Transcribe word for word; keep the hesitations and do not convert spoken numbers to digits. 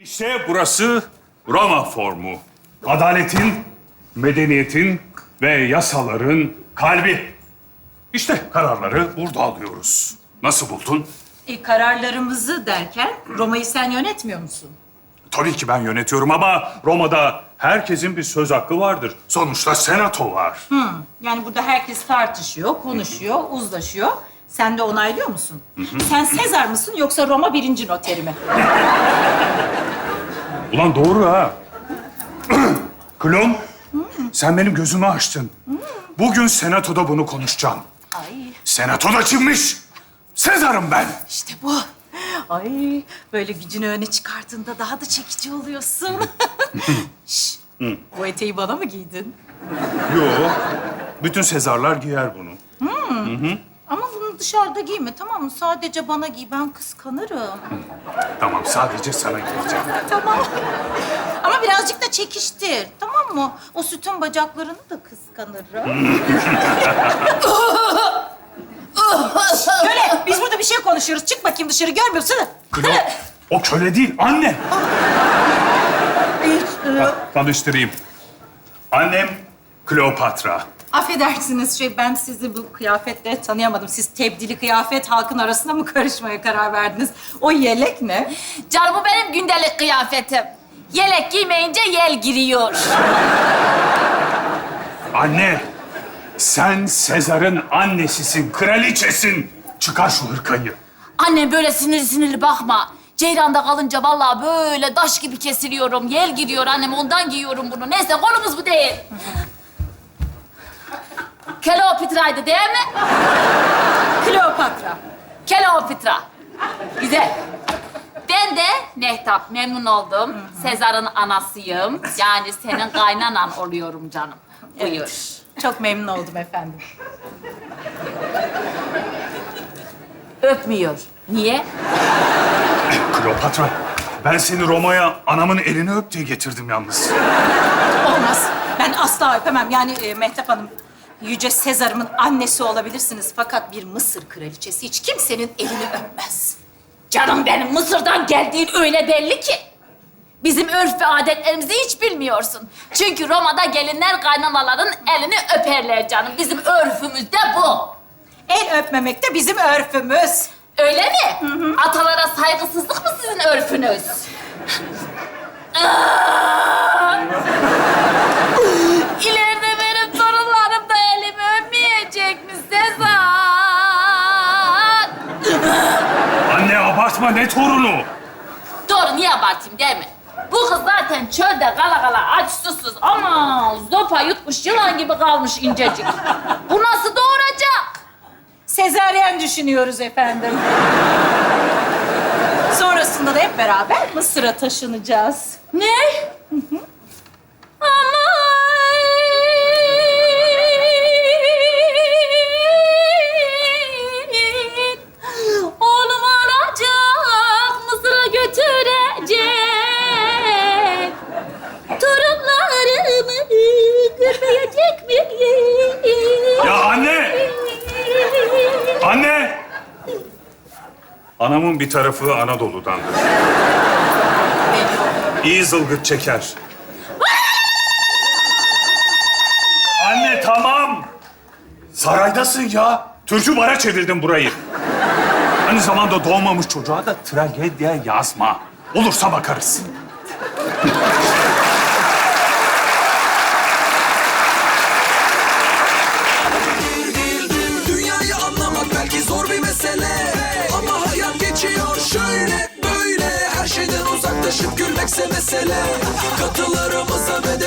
İşte burası Roma formu. Adaletin, medeniyetin ve yasaların kalbi. İşte kararları burada alıyoruz. Nasıl buldun? E, kararlarımızı derken Roma'yı sen yönetmiyor musun? Tabii ki ben yönetiyorum ama Roma'da herkesin bir söz hakkı vardır. Sonuçta senato var. Hı. Yani burada herkes tartışıyor, konuşuyor, uzlaşıyor. Sen de onaylıyor musun? Sen Sezar mısın yoksa Roma birinci noteri mi? Ulan doğru ha. Klon, sen benim gözümü açtın. Bugün senatoda bunu konuşacağım. Ay Senatoda çıkmış. Sezar'ım ben. işte bu. Ay böyle gücünü öne çıkarttığında daha da çekici oluyorsun. Şş, bu eteği bana mı giydin? Yo, bütün Sezarlar giyer bunu. Ama bunu dışarıda giyme tamam mı? Sadece bana giy, ben kıskanırım. Tamam, sadece sana giyeceğim. Tamam. Ama birazcık da çekiştir, tamam mı? O sütun bacaklarını da kıskanırım. Köle, biz burada bir şey konuşuyoruz. Çık bakayım dışarı, görmüyor musun? Klon, o köle değil, anne. Hiç, e, Ha, tanıştırayım. Annem Kleopatra. Affedersiniz şey, ben sizi bu kıyafetle tanıyamadım. Siz tebdili kıyafet halkın arasına mı karışmaya karar verdiniz? O yelek ne? Canım bu benim gündelik kıyafetim. Yelek giymeyince yel giriyor. Anne, sen Sezar'ın annesisin, kraliçesin. Çıkar şu hırkayı. Annem böyle sinirli sinirli bakma. Ceyranda kalınca vallahi böyle taş gibi kesiliyorum. Yel giriyor annem, ondan giyiyorum bunu. Neyse konumuz bu değil. Kleopatra'ydı değil mi? Kleopatra. Kleopatra. Güzel. Ben de Mehtap, memnun oldum. Sezar'ın anasıyım. Yani senin kaynanan oluyorum canım. Buyur. Evet. Çok memnun oldum efendim. Öpmüyor. Niye? Kleopatra, ben seni Roma'ya anamın elini öp diye getirdim yalnız. Olmaz. Ben asla öpemem. Yani e, Mehtap Hanım, Yüce Sezar'ımın annesi olabilirsiniz. Fakat bir Mısır kraliçesi hiç kimsenin elini öpmez. Canım benim, Mısır'dan geldiğin öyle belli ki. Bizim örf ve adetlerimizi hiç bilmiyorsun. Çünkü Roma'da gelinler kaynanaların elini öperler canım. Bizim örfümüz de bu. El öpmemek de bizim örfümüz. Öyle mi? Hı hı. Atalara saygısızlık mı sizin örfünüz? Aa! İleride benim torunlarım da elimi öpmeyecek mi Sezar? Anne abartma, ne torunu? Doğru, niye abartayım değil mi? Bu kız zaten çölde kala kala aç susuz ama zopa yutmuş yılan gibi kalmış incecik. Bu nasıl doğuracak? Sezaryen düşünüyoruz efendim. Sonrasında da hep beraber Mısır'a taşınacağız. Ne? Ama oğlum alacak, Mısır'a götürecek. Torunlarımı görmeyecek miyim? Ya anne! Anne! Anamın bir tarafı Anadolu'dandır. İyi zılgıt çeker. Anne tamam! Saraydasın ya. Türkü bara çevirdin burayı. Aynı zamanda doğmamış çocuğa da tragedya yazma. Olursa bakarız. Dünyayı anlamak belki zor bir mesele, ama hayat geçiyor şöyle böyle. Her şeyden uzaklaşıp gülmekse mesele. Katılarımıza ve de